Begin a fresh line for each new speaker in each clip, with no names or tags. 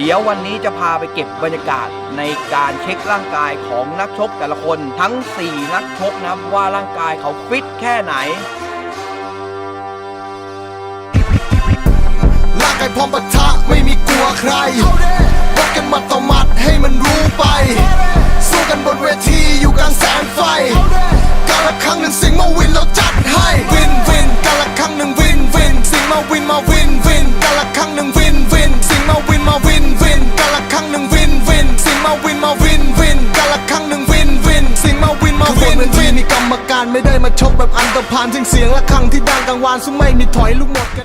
เดี๋ยววันนี้จะพาไปเก็บบรรยากาศในการเช็คร่างกายของนักชกแต่ละคนทั้ง4นักชกนะว่าร่างกายเขาฟิตแค่ไหน
ร่างกายพร้อมปะทะไม่มีกลัวใครวัดกันหมัดต่อหมัดให้มันรู้ไปสู้กันบนเวทีอยู่กลางแสงไฟกาละครั้งหนึ่งสิงมาวินเราจัดให้วินวินกาละครั้งหนึ่งวินวินสิงมาวินมาวินวินกาละครั้งหนึ่งวินวินสิงมาวินมาวินวินกาละครั้งหนึ่งวินวินสิงมาวินมาวินวินกาละครั้งหนึ่งวินวินสิงมาวินมาวินวินมีกรรมการไม่ได้มาชกแบบอันตรพานซึ่งเสียงละครั้งที่ดังกังวานสู้ไม่มีถอยลูกหมดกัน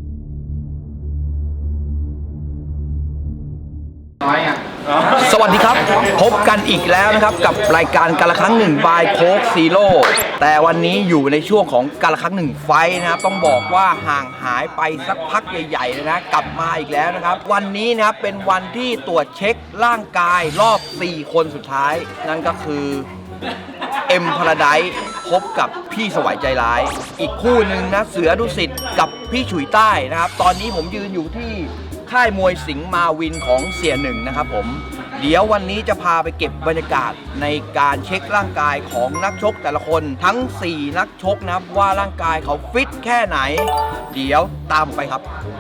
สวัสดีครับพบกันอีกแล้วนะครับกับรายการกาละครั้งหนึ่งบายโค้กซีโร่แต่วันนี้อยู่ในช่วงของกาละครั้งหนึ่งไฟนะครับต้องบอกว่าห่างหายไปสักพักใหญ่ๆเลยนะกลับมาอีกแล้วนะครับวันนี้นะครับเป็นวันที่ตรวจเช็คร่างกายรอบ4คนสุดท้ายนั่นก็คือเอ็มพาราไดซ์พบกับพี่สวัยใจร้ายอีกคู่หนึ่งนะเสือดุสิตกับพี่ฉุยใต้นะครับตอนนี้ผมยืนอยู่ที่ค่ายมวยสิงห์มาวินของเสียหนึ่งนะครับผมเดี๋ยววันนี้จะพาไปเก็บบรรยากาศในการเช็คร่างกายของนักชกแต่ละคนทั้ง4นักชกนะครับว่าร่างกายเขาฟิตแค่ไหนเดี๋ยวตามไปครับ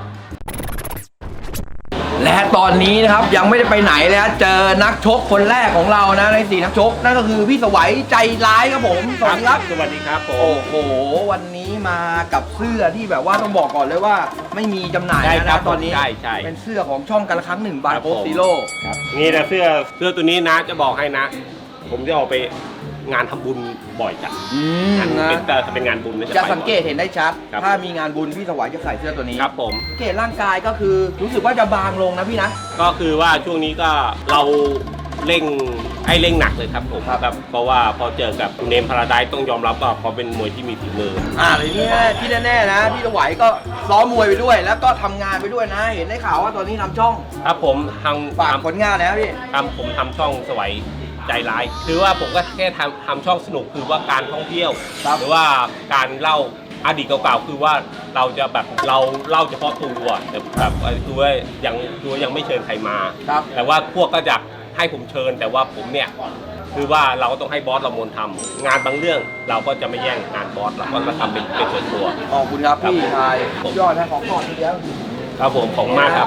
และตอนนี้นะครับยังไม่ได้ไปไหนเลยเจอนักชกคนแรกของเรานะใน4นักชกนั่นก็คือพี่สวัยใจร้ายครับผมสวัสดีครับ
สวัสดีครับผม
โอ้โหวันนี้มากับเสื้อที่แบบว่าต้องบอกก่อนเลยว่าไม่มีจำหน่ายนะตอนนี้เป็นเสื้อของช่องกาละครั้งหนึ่งบายโค้กซีโร่
นี่นะเสื้อตัวนี้นะจะบอกให้นะผมจะออกไปงานทำบุญบ่อยจัดเป็นงานบุญ
จะสังเกตเห็นได้ชัดถ้ามีงานบุญพี่สวัยจะใส่เสื้อตัวนี้
ครับผม
สังเกตร่างกายก็คือรู้สึกว่าจะบางลงนะพี่นะ
ก็คือว่าช่วงนี้ก็เราเร่งหนักเลยครับผมครับเพราะว่าพอเจอกับเนมพาราไดซ์ต้องยอมรับว่าเขาเป็นมวยที่มีฝีมือ
เลยเนี่ยที่แน่ๆนะพี่สวัยก็ซ้อมมวยไปด้วยแล้วก็ทำงานไปด้วยนะเห็นได้ข่าวว่าตอนนี้ทำช่อง
ครับผม
ฝากผลงานนะพี่
ผมทำช่องสวัยใจร้ายคือว่าผมก็แค่ทำช่องสนุกคือว่าการท่องเที่ยวหรือว่าการเล่าอดีตเก่าๆคือว่าเราจะแบบเราเล่าเฉพาะตัวแต่แบบตัวยังไม่เชิญใครมาแต่ว่าพวกก็จะให้ผมเชิญแต่ว่าผมเนี่ยคือว่าเราก็ต้องให้บอสเรามนทำงานบางเรื่องเราก็จะไม่แย่งงานบอสเราก็มาทำเป็นส่วนตัว
ขอบคุณครับพี่ชายยอดนะของก่อนทีเดียว
ครับผมของมากครับ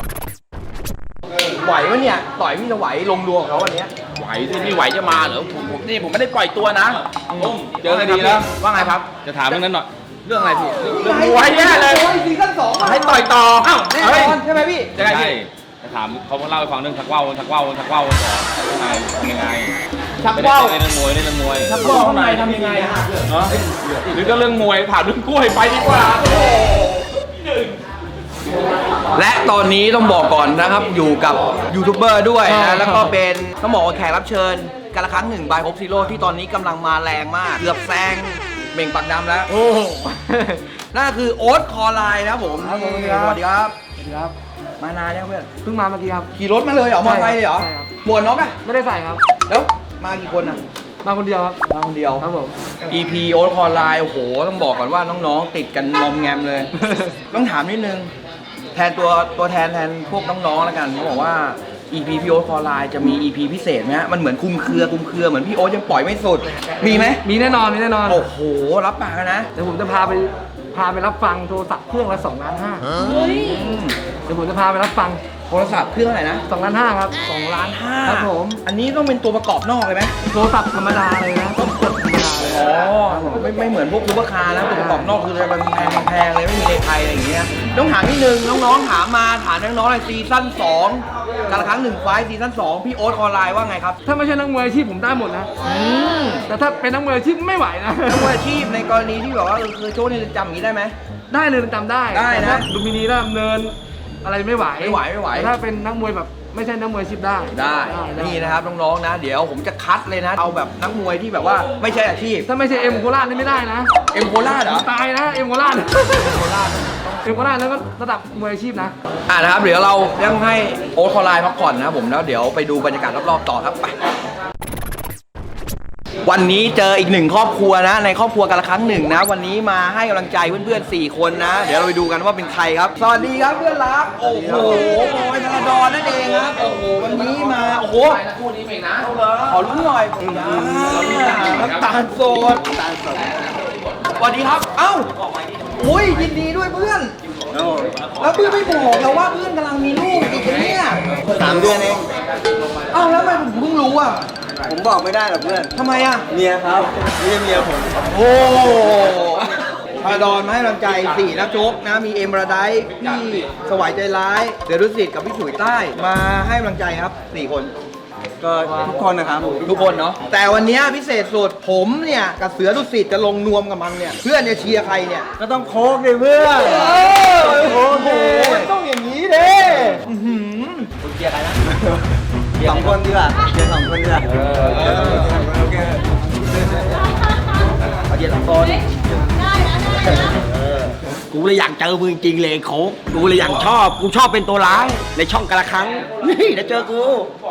ไหววะเนี่ยต่อยพี่จะไหวลงดวงเขาวันนี้
ไหวที่พี่ไหวจะมาเหรอผมไม่ได้ปล่อยตัวนะเจอกันดีแล้วว่าไงครับจะถามเรื่องนั้นหน่อยเรื่องอะไรพี่
เรื่องมวยแน่เลยซีซั่น2
ให้ต่อยต่อ
แน่นอนใช่ไหมพี่
จะไงพี่จะถามเขาเล่าให้ฟังเรื่องชักว่าวต่อยังไง
ชักว่าว
เรื่องมวย
ชักว่าวข้างในทำยังไง
หรือก็เรื่องมวยถามเรื่องกล้วยไปดีกว่า
และตอนนี้ต้องบอกก่อนนะครับอยู่กับยูทูบเบอร์ด้วยนะแล้วก็เป็นต้องบอกว่าแขกรับเชิญกาละครั้งหนึ่งบายโค้กซีโร่ที่ตอนนี้กำลังมาแรงมากเกือบแซงเม่งปากดำแล้วนั่นคือโอ๊ตคอไลน์นะผมสวัสดีครับมานานแล้วเพื่อน
เพิ่งมาเมื่อกี้ครับ
ขี่รถมาเลยเหรอมอเตอร์ไซค์เลยเหรอหมวกน็อกอะ
ไม่ได้ใส่ครับ
แล้วมากี่คนอะ
มาคนเดียวครับ
มาคนเดียว
ครับผม
EP โอ๊ตคอไลน์โอ้โหต้องบอกก่อนว่าน้องๆติดกันงอมแงมเลย ต้องถามนิดนึงแทนตัวแทนพวกน้องๆแล้วกันเขาบอกว่า EP พี่โอ๊ตคอไลน์จะมี EP พิเศษไหมฮะมันเหมือนคุมเครือเหมือนพี่โอ๊ตยังปล่อยไม่สุดมีไหม
มีแน่นอน
โอ้โหรับปากนะ
เดี๋ยวผมจะพาไปรับฟังโทรศัพท์เครื่องละ2.5 ล้านเดี๋ยวผมจะพาไปรับฟัง
โทรศัพท์เครื่องอะไรนะ
2.5 ล้านครับ2.5 ล้านครับผม
อันนี้ต้องเป็นตัวประกอบนอกเลยไหม
โทรศัพท์ธรรมดาเลยนะต้องกดธรรมดาเลย
ไม่เหมือนพวกซูเปอร์คาร์นะตัวประกอบนอกคือมันแพงเลยไม่มีในไทยอะไรอย่างเงี้ยต้องถามนิดนึงน้องๆถามน้องๆในซีซั่น2กาละครั้งหนึ่งไฟซีซั่น2พี่โอ๊ตคอไลน์ว่าไงครับ
ถ้าไม่ใช่นักมวยอาชีพผมได้หมดนะแต่ถ้าเป็นนักมวยอาชีพไม่ไหวนะ
นักมวยอาชีพในกรณีที่แบบว่าคือโชว์ในเรือนจำอย่างนี้ได้ไหม
ได้เลยจำได้
นะ
ลุมพินีแล้วดำเนินอะไรไม่ไหวถ้าเป็นนักมวยแบบไม่ใช่นักมวยอาชีพได้
นี่นะครับน้องๆนะเดี๋ยวผมจะคัดเลยนะเอาแบบนักมวยที่แบบว่าไม่ใช่อาชีพ
ถ้าไม่ใช่เอ็มโคราชนี่ไม่ได้นะ
เอ็มโคราชเหรอ
ตายนะเอ็มโคราชแล้วก็ระดับมวยอาชีพนะ
นะครับเดี๋ยวเรายังให้โอ๊ตคอไลน์พักผ่อนนะผมแล้วเดี๋ยวไปดูบรรยากาศรอบๆต่อครับไปวันนี้เจออีกหนึ่งครอบครัวนะในครอบครัวกันละครั้งหนึ่งนะวันนี้มาให้กำลังใจเพื่อนๆ4 คนนะ เดี๋ยวเราไปดูกันว่าเป็นใครครับสวัสดีครับเพื่อนรักโอ้โหบอยธนาดรนั่นเองครับโอ้โหวันนี้มาโอ้โหคู่นี้เองนะขอรู้หน่อยน้ำตาลสดสวัสดีครับเอ้าอุ้ยยินดีด้วยเพื่อนแล้วเพื่อนไม่บอกเราว่าเพื่อนกำลังมีลูกอีกเนี่ย
3 เดือนเอง
เอ้าแล้วทำไมผมเพิ่งรู้อ่ะ
ผมบอกไม่ได้หรอกเพื่อน
ทำไมอ่ะ
เมียครับเมียผม
โอ้พาดอนมาให้กำลังใจ4นักชกนะมีเอ็มระไดพี่สวายใจร้ายเสือดุสิตกับพี่ฉุยใต้มาให้กำลังใจครับ4 คน
ก็ทุกคนนะครับ
ทุกคนเนาะแต่วันนี้พิเศษสุดผมเนี่ยกับเสือดุสิตจะลงนวมกับมันเนี่ยเพื่อนจะเชียร์ใครเนี่ย
ก็ต้องโค้กเลยเพื่อน
โอ้โหต้องอย่างนี้เด้คุณเชียร์ใครนะ
2 คนดีกว่าเชียร์2 คนดีกว่า
เอาเย็นหลังโซนกูเลยอยากเจอมึงจริงเลยโค้กกูเลยอยากกูชอบเป็นตัวร้ายในช่องกะละครั้งนี่เดี๋ยวเจอกู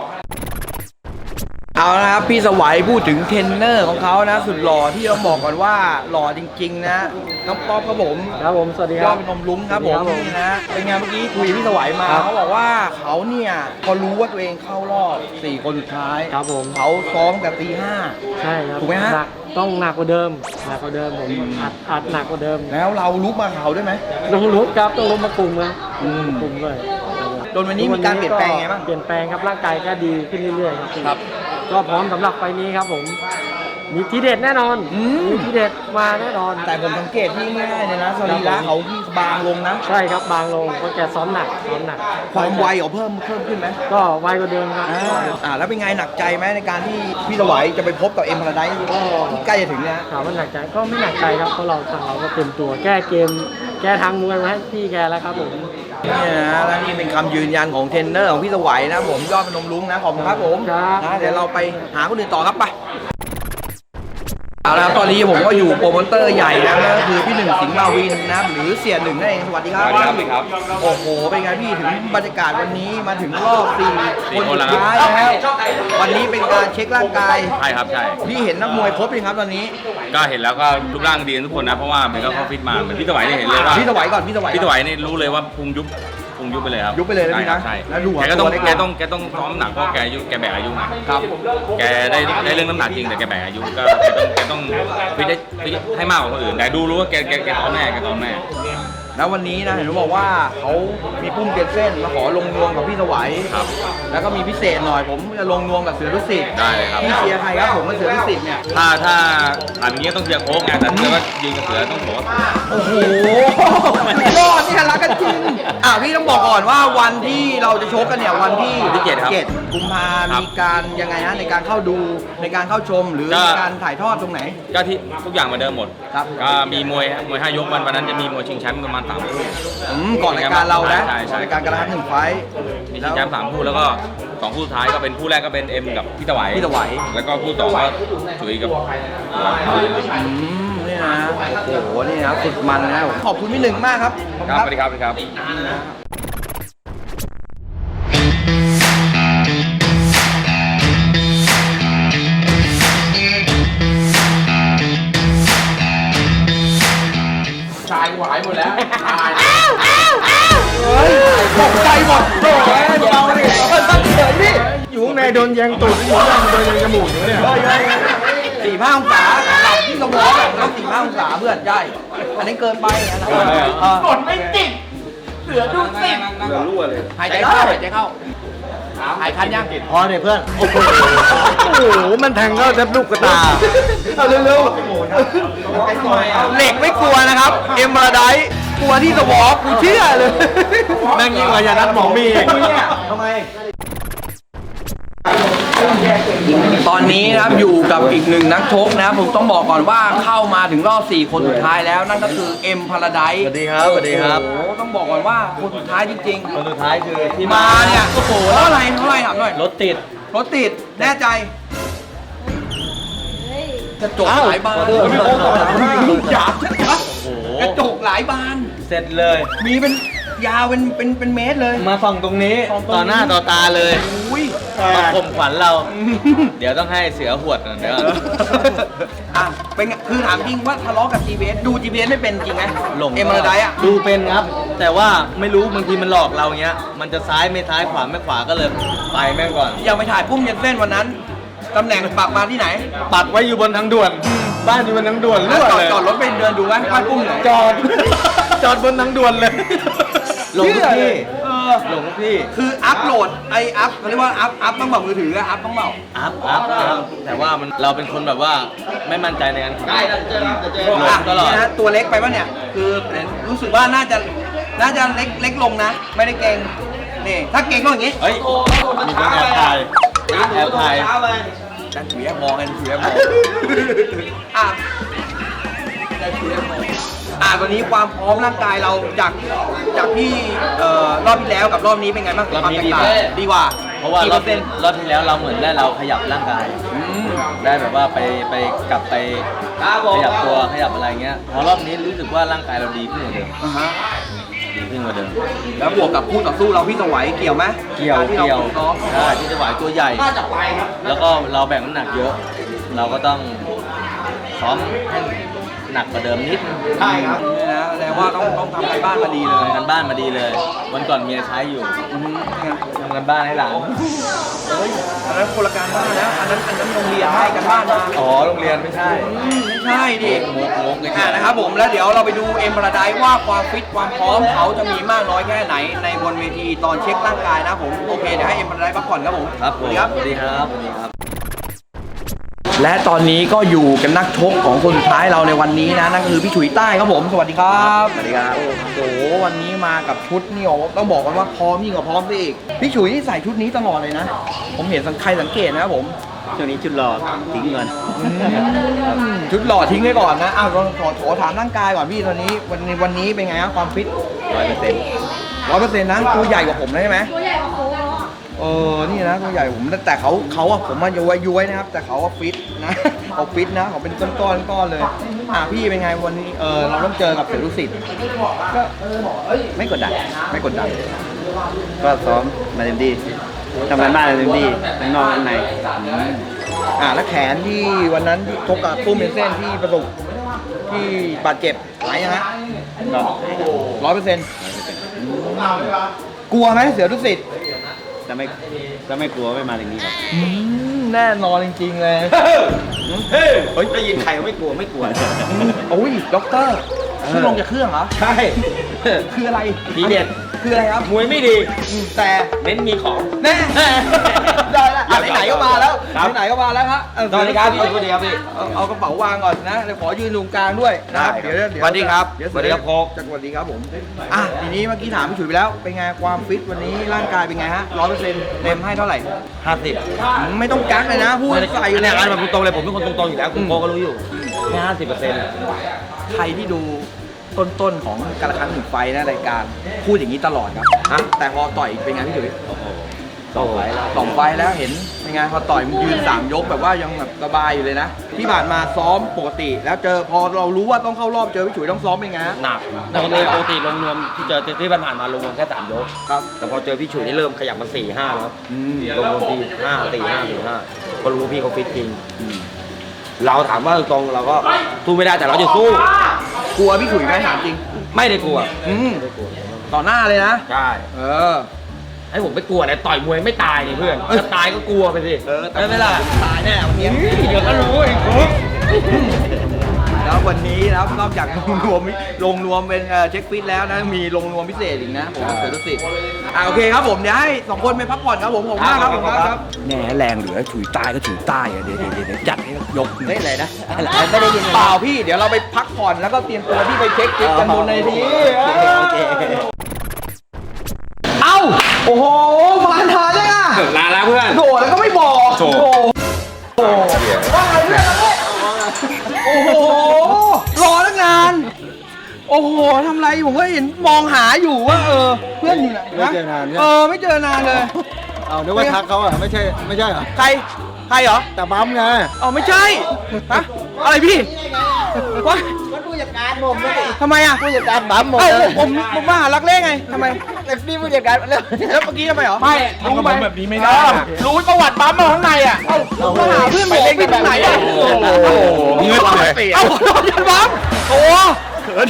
เอาละครับพี่สวัยพูดถึงเทรนเนอร์ของเขานะสุดหล่อที่ต้องบอกก่อนว่าหล่อจริงๆนะน้องป๊อปครับผม
ครับผมสวัสดีค
ย
รั
อบ ดเป็นนมลุ้มครับผม
ครับผม
นี่นะเป็นไงเมื่อกี้คุยกับพี่สวัยมา
ครับ
เขาบอกว่าเขาเนี่ยพอรู้ว่าตัวเองเข้ารอบ4 คนสุดท้าย
ครับผม
เขาซ้อมแต่ตี
ใช่ครับ
ถูกไหมฮะ
นัต้องหนักกว่าเดิมผมอัดหนักกว่าเดิม
5แล้วเราลุกมาเขาด้วยไหม
ต้องลุกครับต้องลุกมากลุ่มเลยกลุ่มเลย
จนวันนี้มีการเปลี่ยนแปลงไงบ้าง
เปลี่ยนแปลงครับร่างกายก็ดีขึ้นเรื่อยๆครับ
ครับ
ก็พร้อมสำหรับไฟล์นี้ครับผมมีทีเด็ดแน่นอนมีทีเด็ดมาแน่นอน
แต่ผมสังเกตที่ง่ายๆเลยนะสรีระเขาที่บางลงนะ
ใช่ครับบางลงเพราะแกซ้อมหนัก
ความไวเขาเพิ่มขึ้นไหม
ก็ไวกว่าเดิมครับ
แล้วเป็นไงหนักใจไหมในการที่พี่สวัยจะไปพบกับเอ็มพาราไดซ์ที่ใกล้จะถึงเนี่ย
ถามว่าหนักใจก็ไม่หนักใจครับเพราะทางเราก็เต็มตัวแก้เกมแก้ทางมวยมาให้พี่แกแล้วครับผม
นี่นะและนี่เป็นคำยืนยันของเทรนเนอร์ของพี่สวัยนะผมยอดพนมรุ้งนะขอบคุณครับผม
ครับ
นะเดี๋ยวเราไปหาคนอื่นต่อครับไปเอาละครับตอนนี้ผมก็อยู่โปรโมเตอร์ใหญ่นะนั่นก็คือพี่หนึ่งสิงห์มาวินนะหรือเสียหนึ่งนั่นเองสวัสดีครับ
สวัสดีครับ
โอ้โหเป็นไงพี่ถึงบรรยากาศวันนี้มาถึงรอบ4 คนสุดท้าย
แล้ว
แล้ววันนี้เป็นการเช็คร่างกาย
ใช่ครับใช่
พี่เห็นนักมวยครบยังครับตอนนี้
ก็เห็นแล้วก็รูปร่างดีกันทุกคนนะเพราะว่ามันก็เข้าฟิตมาเหมือนพี่สวัยเนี่ยเห็นเลยว่า
พี่สวัยก่อนพี่สวัย
พี่สวัยนี่รู้เลยว่าพุงยุบไปเลยครับ
ยุบไปเลยนะพี่นะ
ใช่
แล้วดูหัว
แกก็ต้อง
ตัวเล็ก
แกต้องซ้อมหนักเพราะแกแบกอายุไง
ครับ
แกได้เรื่องน้ำหนักจริงแต่แกแบกอายุก็แกต้องฟิตให้มากกว่าคนอื่นแต่ดูรู้ว่าแกซ้อมแน่
แล้ววันนี้นะเห็นเขาบอกว่าเขามีปุ้มเกยรตเส้นมาขอลงนวมกับพี่สวัย
ครับ
แล้วก็มีพิเศษหน่อยผมจะลงนวมกับเสือดุสิต
ได้เลยครับ
พี่เชียร์ใครครับผมกับเสือดุสิตเนี่ย
ถ้าถามอย่างนี้ต้องเชียร์โค้กไงแต่ถ้าว่ายืนกับเสือต้องบอกว่า
โอ้โหยอดนี่รักกันจริงพี่ต้องบอกก่อนว่าวันที่เราจะชกกันเนี่ยวันที่
7 ครับ
7 กุมภา
ครับ
มีการยังไงฮะในการเข้าดูในการเข้าชมหรือ
ก็
ในการถ่ายทอดตรงไหน
ก็ที่ทุกอย่างเหมือนเดิมหมด
ครับ
ก็มีมวย5 ยกวันนั้นจะมีมวยชิงแชมป์ประมาณ3 คู่
ก่อนรายการเรานะ
ใช่
ก่อนรายการกระทัน1 ไฟท์
มีชิงแชมป์3 คู่แล้วก็2 คู่สุดท้ายก็เป็นคู่แรกก็เป็นเอ็มกับพี่ตะไหว
พี่ตะไหว
แล้วก็คู่ต่อก็จุ๋ยกับ
นี่นะโอ้โหนี่นะสุดมันนะขอบคุณพี่หนึ่งมากครับขอบคุณ
ครับสวัสดีครับ
ชายหวายหมดแล้วตกใจหมดโอ้ยเราเนี่ยตั้งเฉยพี่
อยู่ข้างในโดนแยงตูดอยู่ข้างในโดนแยงจมูกอยู่เนี่ย
45 องศาหลับที่สมองแล้ว45 องศาเพื่อนใช่อันนี้เกินไปนะกดไม่ติดเสือดุสิตหายใจเข้าหายคันยัง
พอเนี่ยเพื่อน
โอ้โหมันแทงก็แทบลูกกระตา
เอาเร็วๆเหล็กไม่กลัวนะครับเอ็มมาไดกลัวที่สมองกูเชื่อเลย
แม่งยิ่งกว่ายานัดหมอมีอีก
ทำไมตอนนี้นะครับอยู่กับอีกหนึ่งนักชกนะครับผมต้องบอกก่อนว่าเข้ามาถึงรอบ4 คนสุดท้ายแล้วนั่นก็คือเอ็มพาราไดซ์
สวัสดีครับสวัสดีครับ
โอ้โหต้องบอกก่อนว่าคนสุดท้ายจริง
คนสุดท้ายคือที่
ๆมาเนี่ยโอ้โหแล้วอะไรเท่าไหร่ถามหน่อย
รถติด
รถติดแน่ใจกระจกหลายบาน
ขอโทษ
หยาบชัดๆกระจกหลายบาน
เสร็จเลย
มีเป็นยาวเป็นเมตรเลย
มาส่องตรงนี้
ส่องตรงนี้
ต่อหน้าต่อตาเลย
อุ้ย
มาข่มขวัญเรา เดี๋ยวต้องให้เสือหวดก่อนเดี๋ยวก่อน
อ่ะเป็นไงคือถามจริงว่าทะเลาะกับ GPS ดู GPS ไม่เป็นจริงไหม
หลง
เอ็มอาร์ไดอ่ะ
ดูเป็นครับ แต่ว่าไม่รู้บางทีมันหลอกเราเงี้ย มันจะซ้ายไม่ซ้ายขวาไม่ขวาก็เลยไปแม่งก่อน
ยังไปถ่ายปุ้มเย็นเส้นวันนั้นตำแหน่งปักมาที่ไหน
ปักไว้อยู่บนทางด่วน บ้านอยู่บนทางด่วน
แล้ว
รั่ว
จอด
เลย
รถไปเดินดูไหมบ้านปุ้มไหน
จอด จอดบนทางด่วนเลย หลงทุกที่
เออ
หลงทุกที่
คืออัพโหลดอัพเขาเรียกว่าอัพต้องแบบมือถืออัพต้องเบา
อัพแต่ว่ามันเราเป็นคนแบบว่าไม่มั่นใจในการขับหลงตลอด
นี่นะตัวเล็กไปปะเนี่ย คือรู้สึกว่าน่าจะเล็กลงนะ ไม่ได้เก่งนี่ถ้าเก่งก็อย่างงี้
เฮ้ย มีคนแอบถ่ายแอบถ่าย
กันถือแอบมองกันถือแอบมองอ่ะกันถือแอบมองตอนนี้ความพร้อมร่างกายเราจากที่รอบที่แล้วกับรอบนี้เป็นไงบ้าง
รอบนี้
ความแตกต่างดีกว่า
เพราะว่ารอบ
กี่เปอร์เซ็นต์
ที่แล้วเราเหมือนได้เราขยับร่างกาย ได้แบบว่าไปกลับไปขยับตัวขยับอะไรเงี้ย พอรอบนี้รู้สึกว่าร่างกายเราดีขึ้นกว่าเดิม
อ่าฮะ
ดีขึ้นกว่าเดิม
แล้วบวกกับคู่ต่อสู้เราพี่สวัยเกี่ยวไหม
เกี่ยว
ที่เราซ้อม
ใช่ที่จะไหวตัวใหญ่ แล้วก็เราแบ่งน้ำหนักเยอะ เราก็ต้องซ้อมให้หนักกว่าเดิมนิดนึง
ใช่ครับนี่นะแสดงว่าต้องทำการบ้านมาดีเลย
ทำกันบ้านมาดีเลย วันก่อนเมียใช้อยู่
นี่ไง
ทำกันบ้านให้หลาน
เฮ้ยอันนั้นคนละการบ้านนะอันนั้นโรงเรียนให้กันบ้านมา
อ๋อโรงเรียนไม่ใช่
ไม่ใช่ดิ
งกเลย
นะครับผมแล้วเดี๋ยวเราไปดูเอ็มพาราไดซ์ว่าความฟิตความพร้อมเขาจะมีมากน้อยแค่ไหนในบนเวทีตอนเช็คร่างกายนะผมโอเคเดี๋ยวให้เอ็มพาราไดซ์พักผ่อนครับผม
ครับผม
สวัสดีครับ
สวัสดีครับสวัสดีครับ
และตอนนี้ก็อยู่กับนักชกของคนสุดท้ายเราในวันนี้นะนั่นก็คือพี่ฉุยใต้ครับผมสวัสดีครับสวัสดีครับโอ้โหวันนี้มากับชุดนี่ต้องบอกกันว่าพร้อมยิ่งกว่าพร้อมซะอีกพี่ฉุยนี่ใส่ชุดนี้ตลอดเลยนะ ผมเห็นใครสังเกตนะครับผม
ช่วงนี้จุดหลอดทิ้งเงิน
ชุดหล่อทิ้งไว้ก่อนนะอ้าวขอถามร่างกายก่อนพี่ตอนนี้วันนี้เป็นไงครับความฟิต 100%นะตัวใหญ่กว่าผมนะใช่ไหม
ตัวใหญ่กว่าโค้กแล้วอ่ะ
นี่นะตัวใหญ่ผมแต่เขาอะผมมาย้วยนะครับ แต่เขาว่าฟิตนะ เขาฟิตนะเขาเป็นก้อนเลยพี่เป็นไงวันนี้เราต้องเจอกับเสือดุสิตก็ไม่กดดัน
ก็ซ้อมมาเต็มที่ทำงานบ้านเต็มที่ทั้งนอกทั้งใน
แล้วแขนที่วันนั้นที่ชกกับปุ้มเป็นเส้นที่ประสบที่บาดเจ็บหายยังฮะ
ก็
100%กลัวไหมเสือดุสิต
จะไม่กลัวไม่มาอย่างนี้ครับ
แน่นอนจริงๆเลย
เฮ้ยได้ยินใครไม่กลัว
โอ้ยด็อกเตอร์ขึ้นลงจากเครื่องเหรอ
ใช่
คืออะไร
ทีเด็ด
คืออะไรครับ
มวยไม่ดี
แต่
เน้นมีของ
แน่ได้แล้วไหนๆก็มาแล้ว
ครับ
ไหนๆก็มาแล้วฮะ
สวัสดีครับพี่สวัสดีครับพี่
เอากระเป๋าวางก่อนนะเดี๋ยวขอยืนตรงกลางด้วยนะครับ
ได้ครับ
เดี๋ยว
สวัสดีครับ
เดี๋ยว
สวัสดีครับโค้ก
สวัสดีครับผมทีนี้เมื่อกี้ถามพี่ฉุยไปแล้วเป็นไงความฟิตวันนี้ร่างกายเป็นไงฮะ 100%เต็มให้เท่าไหร่
50
ไม่ต้องกักเลยนะพูดใส่
เนี่ยการแบบตรงเลยผมเป็นคนตรงๆอยู่แล้วคุณโกก็รู้อยู่แค่50%
ใครที่ดูต้นของการละครั้งหนึ่งไฟนะรายการพูดอย่างนี้ตลอดครับแต่พอต่อยเป็นไงพี่ฉุย
ต่อไปแล้ว
2 ไฟแล้วเห็นเป็นไงพอต่อยมันยืน3 ยกแบบว่ายังแบบสบายอยู่เลยนะ ที่ผ่านมาซ้อมปกติ แล้วพอเรารู้ว่าต้องเข้ารอบเจอพี่ฉุยต้องซ้อมเป็นไงฮะ
หนักปกติรวมๆที่เจอที่ผ่านมารวมๆแค่3 ยก
ครับ
แต่พอเจอพี่ฉุยนี่เริ่มขยับมา 4-5 แล้วรวมๆที่5-4-5 ก็รู้ว่าพี่เขาฟิตจริง เราถามว่าตรงๆเราก็สู้ไม่ได้แต่เราจะสู้
กลัวพี่ฉุยไหมถามจริง
ไม่ได้กลัว
ต่อหน้าเลยนะ
ใช่ ให้ผมไปกลัวแต่ต่อยมวยไม่ตายนี่เพื่อนถ้าตายก็กลัวไปสิ
แต่ไม่ล่ะตายแน่วันนี้
เดี๋ยวก็รู้ไอ้คุก
แล้ววันนี้นะครับนอกจากลงรวมเป็นเช็คฟิตแล้วนะมีลงรวมพิเศษอีกนะผมเสือดุสิตโอเคครับผมเดี๋ยวให้2 คนไปพักผ่อนครับผมมากครับผมครับแหน่แรงเหลือฉุยใต้ก็ฉุยใต้เดี๋ยวจัดให้ยกไม่อะไรนะไม่ได้ยินเปล่าพี่เดี๋ยวเราไปพักผ่อนแล้วก็เตรียมตัวที่ไปเช็คฟิตกันบนในทีเอ้าโอ้โหมาทานได้อ่ะ
ลาแล้วเพื่อน
โดดแล้วก็ไม่บอกโอ้โหว่าไงเพื่อนโอ้โหรอตั้งนานโอ้โหทำไรผมก็เห็นมองหาอยู่ว่าเพื่อนอยู่ไหน
ไม่เจอนานเนี่ย
ไม่เจอนานเลย
เอานึกว่าทักเขาอ่ะไม่ใช่เหรอ
ใครเหรอ
แต่บั๊มไง
ไม่ใช่ฮะอะไรพี่วะ
จัดการผมเลย
ทำไมอ่ะ
ผู้จัดการบั๊มหมด
เอ้า
เลย
ผมมาหารักเล่ไงทำไม
แต่นี่ผู้จัดการแล้ว
แล้วเมื่อกี้ทำไมเหรอ
ไม่รู้ไหมแบบนี้ไม่ได้รู้ประวัติปั๊มมาข้างในอ่ะ
มาหาเพื่อนไปเล่นที่ไหนอ่ะ
โอ้โหเงือกเลย
เอ้าขอโทษยันบัมโอ้เขิน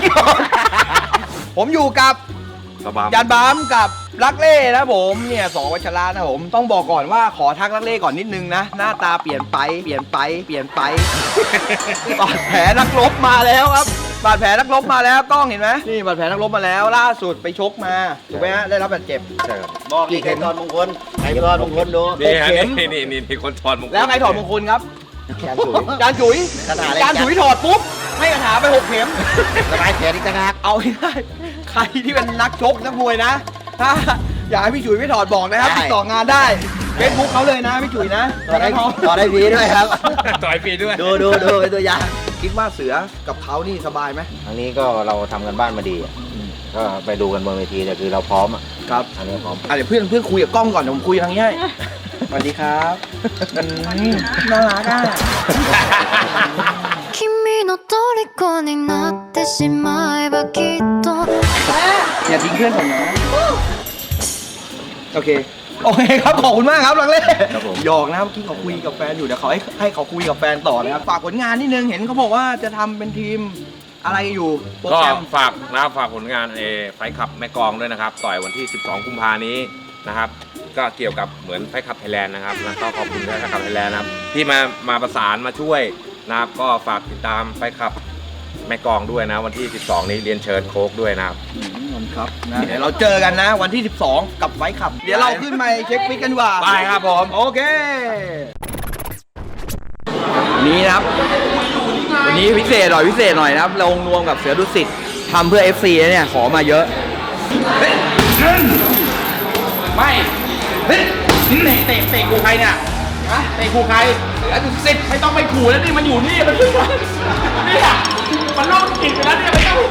ผมอยู่กับ
สบาย
ยันบัมกับรักเล่นะผมเนี่ยสองวัชระนะผมต้องบอกก่อนว่าขอทักรักเล่ก่อนนิดนึงนะหน้าตาเปลี่ยนไปเปลี่ยนไปเปลี่ยนไป บาดแผลนักรบมาแล้วครับบาดแผลนักรบมาแล้วกล้องเห็นไหมนี่บาดแผลนักรบมาแล้วล่าสุดไปชกมาถูกไหมฮะได้รับบาดเจ็บ
บอกกี่เข็มตอนมงคลใครตอนมงคลดู
นี่ฮะ
เข็ม
นี่คนถอดมงคล
แล้วใครถอดมงคลครับ
แขนจุ๋ย
จานจุ๋ย
คาถาอะไร
จานจุ๋ยถอดปุ๊บให้คาถาไป6 เข็ม
สบายแขนอีกต่างหาก
เอาให้ได้ใครที่เป็นนักชกนักมวยนะถ้าอยากให้พี่จุ๋ยไม่ถอดบอกนะครับติดต่องานได้เฟซบุ๊กเขาเลยนะพี่จุ๋ยนะ
ต่อได้ฟรีด้วยครับ
ต่อยปีด้วย
ดูเป็นตัวอย่าง
คิดว่าเสือกับเขานี่สบายไหม
อันนี้ก็เราทำกันบ้านมาดีอะก็ไปดูกันบนเวทีแต่คือเราพร้อมอ่ะ
ครับ
อันนี้พร้อม
เดี๋ยวเพื่อนคุยกับกล้องก่อนเดี๋ยวผมคุยทางนี้ให้สวัสดีครับน่ารักอ่ะ
君の虜になってしまえばきっと
อย่าทิ้งเพื่อนผมนะโอเคครับขอบคุณมากครับลังเล่หยอกนะครับเมื่อกี้เขาคุยกับแฟนอยู่เดี๋ยวเขาให้เขาคุยกับแฟนต่อนะครับฝากผลงานนิดนึงเห็นเขาบอกว่าจะทำเป็นทีมอะไรอยู่โปร
ก็
แกรม
ฝากผลงานไฟขับแม่กลองด้วยนะครับ ต่อยวันที่ 12 กุมภานี้นะครับ ก็เกี่ยวกับเหมือนไฟขับไทยแลนด์นะครับแล้วก็ขอบคุณไฟขับไทยแลนด์นะครับที่มาประสานมาช่วยนะครับก็ฝากติดตามไฟขับแม่กลองด้วยนะวันที่ 12 นี้เรียนเชิญโค้กด้วยนะครับ
ครับนะเดี๋ยวเราเจอกันนะวันที่ 12 กับไฟขับ เดี๋ยวเราขึ้นมาเช็คฟิตกันดีกว่า
ไปครับผม
โอเคนี่นะครับวันนี้พิเศษหน่อยนะครับลงรวมกับเสือดุสิตทำเพื่อ FC นะเนี่ยขอมาเยอะ
ไม่เฮ้ยเตะกูใครเนี่ยเตะกูใครแล้วดูสิไม่ต้องไปขู่แล้วนี่มันอยู่นี่มันขึ้นมาเนี่ยมันโล่งจิตไปแล้วเนี่ยไม่ต้อง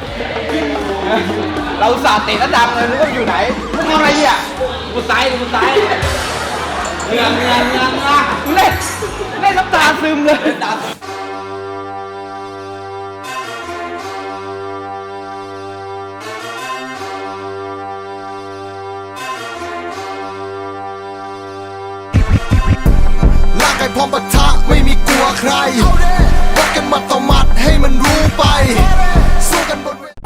เราสาดเตะระดับเลยนึกว่าอยู่ไหนมึงทำอะไรเนี่ย
กูซ้ายเงือ
เล่นน้ำตาซึมเลย
ร่างกายพร้อมปะทะไม่มีกลัวใครวัดกันหมัดต่อหมัดให้มันรู้ไป สู้กันบนเวที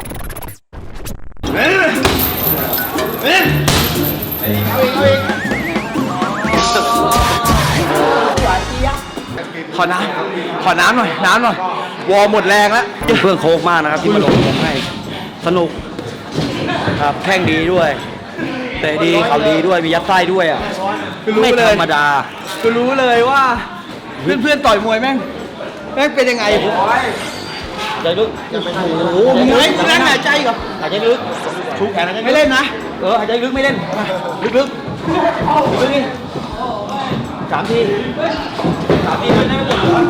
ขอน้ำหน่อย วอร์มหมดแรงแล้ว
เพื่อนโค้กมากนะครับที่มาลงผมให้สนุกครับแข่งดีด้วยเตะดีเขาดีด้วยมียัดไส้ด้วยอ่ะ
คือรู้
ไม่
เลย
ธรรมดา
คือรู้เลยว่าเพื่อนต่อยมวยแม่งเป็นยังไง
ใจลึก
โอ้โหมึงไงมึงนั่งหายใจกับ
หายใจลึกชูแขนหายใจ
ไม่เล่นนะ
หายใจลึกไม่เล่นลึกนี่3 ทีมันได้ไม่หมดเหรอ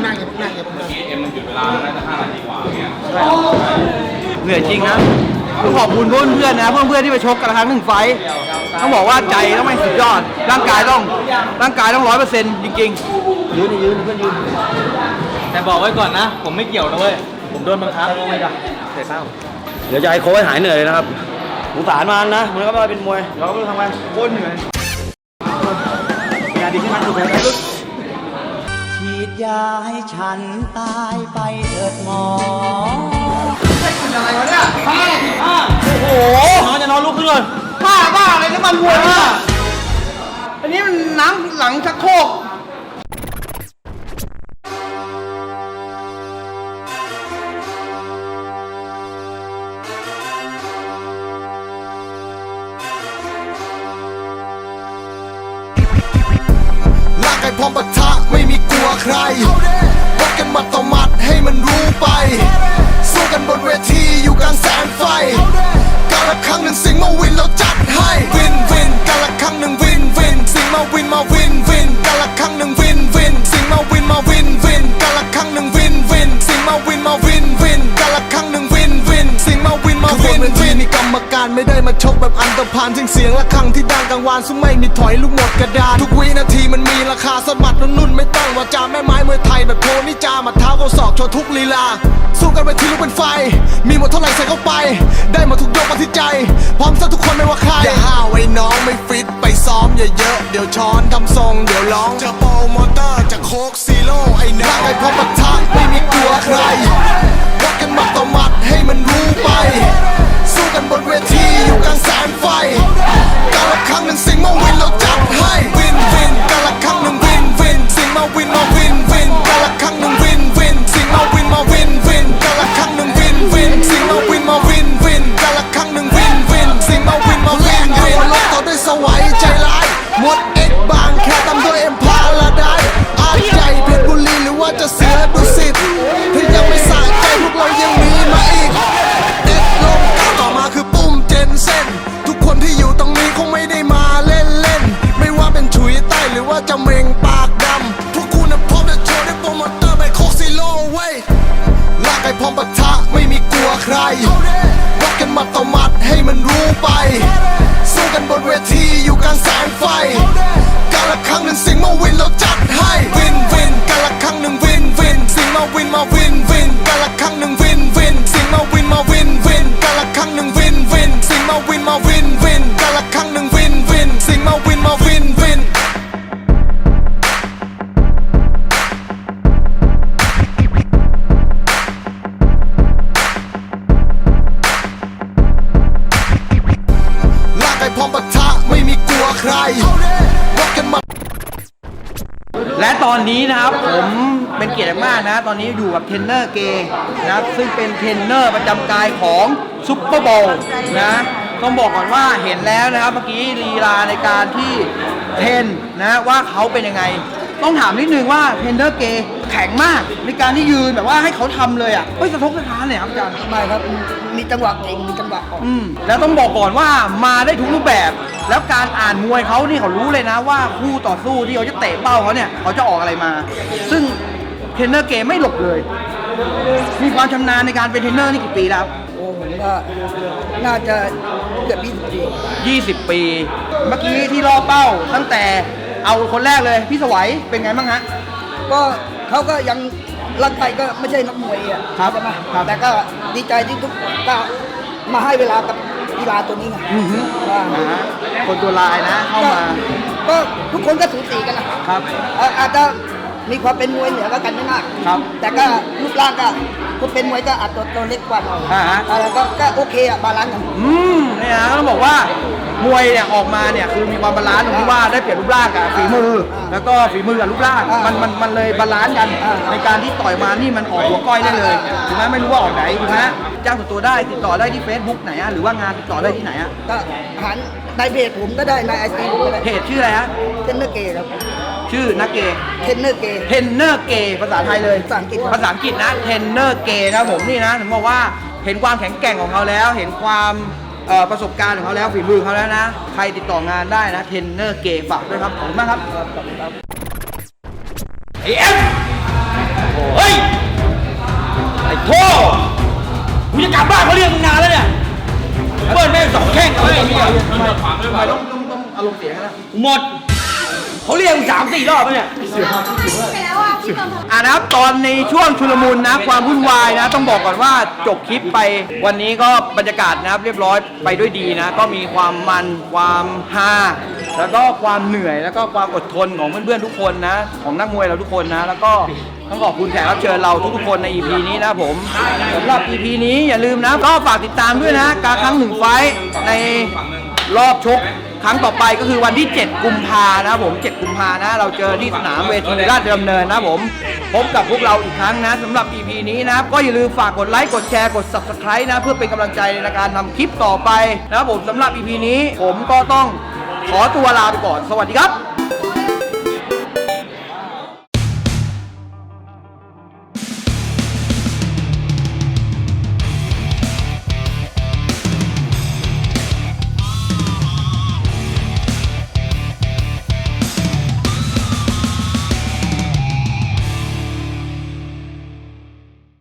เหนื่อยจริงนะต้องขอบคุณเพื่อนๆนะเพื่อนๆที่ไปชกกันละครั้งหนึ่งไฟท์ต้องบอกว่าใจต้องไม่สุดยอดร่างกายต้อง100%จริง
ยืนเพื่อนยืนแต่บอกไว้ก่อนนะ ผมไม่เกี่ยวนะเว้ยผมโดนบังคับไม่ได้เสียเศร้าเดี๋ยวจะให้โค้ชหายเหนื่อยเลยนะครับสงสารมันนะมันก็มาเป็นมวยเราก็ไม่รู้ทำไง
ๆโคตรเหนื่อย
งานดีขึ้นมาถูกไหมครับ
ฉีดยาให้ฉันตายไปเถิดหมอ
อะไรวะเนี่ย
โอ้โหนอนจะนอนลุกขึ้นเลย
บ้าอะไรน้ำมันวัวเนี่ยอันนี้มันน้ำหลังชักโครก
ร่างกายพร้อมปะทะไม่มีกลัวใครวัดกันหมัดต่อหมัดให้มันรู้ไป สู้กันบนเวทีอยู่กลางแสงไฟกาละครั้งหนึ่งสิงห์มาวินเราจัดให้วินกาละครั้งหนึ่งวินสิงห์มาวินกาละครั้งหนึ่งวินสิงห์มาวินกาละครั้งหนึ่งวินสิงห์มาวินกาละครั้งหนึ่งวินสิงห์มาวินนี่กรรมการไม่ได้มาชกแบบอันธพผ่านเสียงระฆังที่ดังกังวานซึ่งไม่มีถอยลูกหมดกระดานทุกวินาทีมันมีราคาสมัดนุ่นๆไม่ต้องว่าจาแม่ไม้มวยไทยแบบโพนิจามาเท้าเขาศอกโชว์ทุกลีลาสู้กันไปทีลุกเป็นไฟมีหมดเท่าไหร่ใส่เข้าไปได้หมดทุกยกมาที่ใจพร้อมซะทุกคนไม่ว่าใครอย่าห้าวไอ้น้องไม่ฟิตไปซ้อมอย่าเยอะเดี๋ยวช้อนทำทรงเดี๋ยวร้องเจอโปรโมเตอร์จากโคกซีโร่ไอ้น้องไอ้พอปะทะไม่มีกลัวใครวัดกันหมัดต่อหมัดให้มันรู้ไปสู้กันบนเวทีอยู่กลางแสงไฟกาละครั้งหนึ่งสิ่งมาวินเราจัดให้วินวินกาละครั้งหนึ่งวินวินสิ่งมาวินมาวินวินกาละครั้งหนึ่งวินวินสิ่งมาวินมาวินวินกาละครั้งหนึ่งวินวินสิ่งมาวินมาวินวินกาละครั้งหนึ่งวินวินสิ่งมาวินมาวินวินลบต่อด้วยสวัยใจร้ายหมดเอ็กบางแค่ตามด้วยเอ็มพาราไดอาร์ใหญ่เพชรบุรีหรือว่าจะเสือดุสิตที่ยังไม่สะใจพวกเรายังมีมาอีกเอ็กลงก้าวต่อมาคือปุ้มเจนเซ่นทุกคนที่อยู่ตรงนี้คงไม่ได้มาเล่นเล่นไม่ว่าเป็นฉุยใต้หรือว่าจะเมงปากดำพวกคุณพร้อมจะโชว์ได้โปรโมเตอร์ไปโคกซิโลเว้ยลากไอ้พร้อมปะทะไม่มีกลัวใครวัดกันหมัดต่อหมัดให้มันรู้ไปสู้กันบนเวทีอยู่กลางแสงไฟกาละครั้งหนึ่งสิ่งมาวินเราจัดให้วินวินกาละครั้งหนึ่งวินวินสิ่งมาวินมาวินวินกาละครั้งหนึ่งวินวินสิ่งมาวินมาวินวินกาละครั้งหนึ่งวินวินสิ่งมาวินมาวินวินกาละครั้งหนึ่งวินวินสิ่งมาวินมาวินวินลากไอ้พร้อมปะทะไม่มีกลัวใครวัดกันมา
และตอนนี้นะครับผมเป็นเกียรติมากนะตอนนี้อยู่กับเทรนเนอร์เกย์นะครับซึ่งเป็นเทรนเนอร์ประจำกายของซุปเปอร์โบว์นะต้องบอกก่อนว่าเห็นแล้วนะครับเมื่อกี้ลีลาในการที่เทรนนะว่าเขาเป็นยังไงต้องถามนิดนึงว่าเทรนเนอร์เกย์แข็งมากในการที่ยืนแบบว่าให้เขาทำเลยอ่ะไม่สะทกสะท้านเลยครับอาจารย์
ไม่ครับ มีจังหวะเองมีจังหวะออก
แล้วต้องบอกก่อนว่ามาได้ทุกรูปแบบ แล้วการอ่านมวยเขานี่เขารู้เลยนะว่าคู่ต่อสู้ที่เขาจะเตะเป้าเขาเนี่ยเขาจะออกอะไรมา ซึ่งเทรนเนอร์เกมไม่หลบเลย มีความชำนาญในการเป็นเทรนเนอร์นี่กี่ปีแล้ว
โอ้ผมว่าน่าจะเกือบ20 ปี
20 ปี เมื่อกี้ที่ล่อเป้าตั้งแต่เอาคนแรกเลยพี่สวัยเป็นไงบ้างฮะ
ก็เขาก็ยังร่างกายก็ไม่ใช่นักมวยอ่ะ
ครับ
ใช่ไหม
ครับ
แต่ก็ดีใจที่ทุกก็มาให้เวลากับกีฬาตัวนี้ไงว่า
คนตัวลายนะเข้ามา
ก็ทุกคนก็สูสีกันนะครับ อาจจะมีความเป็นมวยเหนือกันไม่มาก
ครับ
แต่ก็รูปร่างก็คนเป็นมวยก็อาจจะตัวเล็กกว่าหน่อย แล้วก็โอเคอะบาลานซ์กัน
เนี่ยนะต้องบอกว่ามวยเนี่ยออกมาเนี่ยคือมีความบาลานซ์ตรงที่ว่าได้เปรียบรูปร่างกับฝีมือ แล้วก็ฝีมือกับรูปร่างมันเลยบาลานซ์กันในการที่ต่อยมานี่มันออกหัวก้อยได้เลยถูกไหมไม่รู้ว่าออกไหนถูกไหมจ้างส่วนตัวได้ติดต่อได้ที่ Facebook ไหนอะหรือว่างานติดต่อได้ที่ไหนอะ
ก็หันในเพจผมก็ได้ในไอจีผมก็ได้
เพจชื่ออะไรฮะ
เทรนเนอร์เกย์ครับ
ชื่อนักเกย์
เทรนเนอร์เกย์
เทรนเนอร์เกย์ภาษาไทยเลย
ภาษาอังกฤษ
ภาษาอังกฤษนะเทรนเนอร์เกย์นะผมนี่นะถึงบอกว่าเห็นความแข็งแกร่งของเขาแล้ว เห็นความประสบการณ์ของเขาแล้วฝีมือเขาแล้วนะใครติดต่องานได้นะเทรนเนอร์เกย์ฝากด้วยครับขอบคุณมากครับ
ไอ้เอ็มเฮ้ย ไอ้โธ่กูจะกลับบ้านเขาเรียกมึงนานแล้วเนี่ยเบิ้ลแม่ง2 แข้งเลยไอ้เหี้ย
ทำไมต้องอารมณ์เสียนะ
หมด เขาเรียกมึง3-4 รอบแล้วเนี่ย
นะครับตอนในช่วงชุลมุนนะความวุ่นวายนะต้องบอกก่อนว่าจบคลิปไปวันนี้ก็บรรยากาศนะครับเรียบร้อยไปด้วยดีนะก็มีความมันความฮาแล้วก็ความเหนื่อยแล้วก็ความอดทนของเพื่อนๆทุกคนนะของนักมวยเราทุกคนนะแล้วก็ต้องขอบคุณแขกรับเชิญเราทุกๆคนใน EP นี้นะผมสำหรับ EP นี้อย่าลืมนะก็ฝากติดตามด้วยนะการครั้ง1 ไฟท์ในรอบชกครั้งต่อไปก็คือวันที่ 7 กุมภานะผม 7 กุมภานะเราเจอที่สนามเวทีราชดำเนินนะผมพบกับพวกเราอีกครั้งนะสำหรับ EP นี้นะครับก็อย่าลืมฝากกดไลค์กดแชร์กด Subscribe นะเพื่อเป็นกำลังใจในการทำคลิปต่อไปนะครับผมสำหรับ EP นี้ผมก็ต้องขอตัวลาไปก่อนสวัสดีครับ